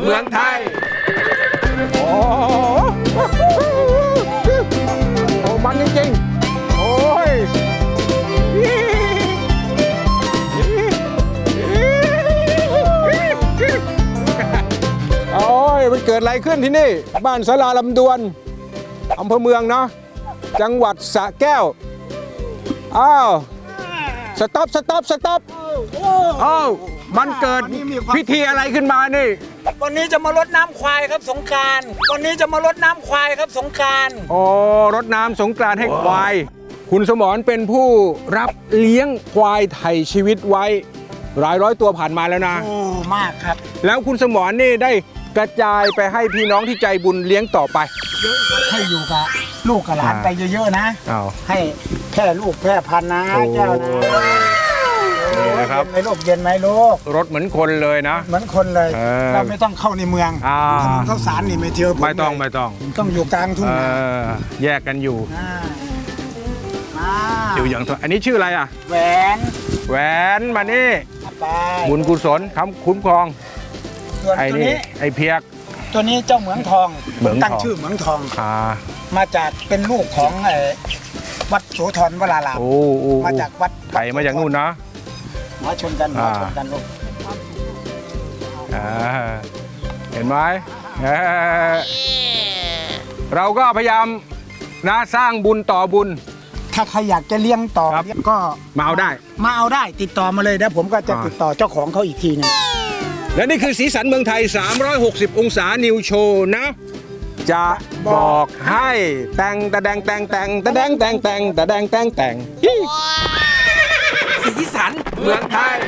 เมืองไทยโอ้โหมันจริงๆโอ้ยโอ้ยมันเกิดอะไรขึ้นที่นี่บ้านศาลาลำดวนอำเภอเมืองเนาะจังหวัดสระแก้วอ้าวสต็อปอ้าวมันเกิดพิธีอะไรขึ้นมานี่วันนี้จะมารดน้ำควายครับสงกรานต์วันนี้จะมารดน้ำควายครับสงกรานต์โอ้รดน้ำสงกรานต์ให้ควายคุณสมรเป็นผู้รับเลี้ยงควายไถ่ชีวิตไว้หลายร้อยตัวผ่านมาแล้วนะโอ้มากครับแล้วคุณสมรนี่ได้กระจายไปให้พี่น้องที่ใจบุญเลี้ยงต่อไปเยอะให้อยู่กับลูกกับหลานไปเยอะๆนะให้แพร่ลูกแพร่พันธุ์นะเจ้านะนี่นะครับเย็นไหมลูกเย็นไหมลูกรถเหมือนคนเลยนะเหมือนคนเลยเราไม่ต้องเข้าในเมืองถนนข้าวสารนี่ไม่เที่ยวไม่ต้องต้องอยู่กลางทุ่งนาแยกกันอยู่อย่างอันนี้ชื่ออะไรอ่ะแหวนมานี่บุญกุศลคำคุ้มครองไอ้นี่ไอ้เพียกตัวนี้เจ้าเหมืองทองตั้งชื่อเหมืองทองมาจากเป็นลูกของวัดโสธรวรารามมาจากวัดไปมาจากนู่นนะมาชนกันลูกเห็นไหมเราก็พยายามนะสร้างบุญต่อบุญถ้าใครอยากจะเลี้ยงต่อก็มาเอาได้ติดต่อมาเลยนะผมก็จะติดต่อเจ้าของเขาอีกทีนึงและนี่คือสีสันเมืองไทย360องศานิวโชว์นะจะบอกให้แต่งสีสันเมืองไทย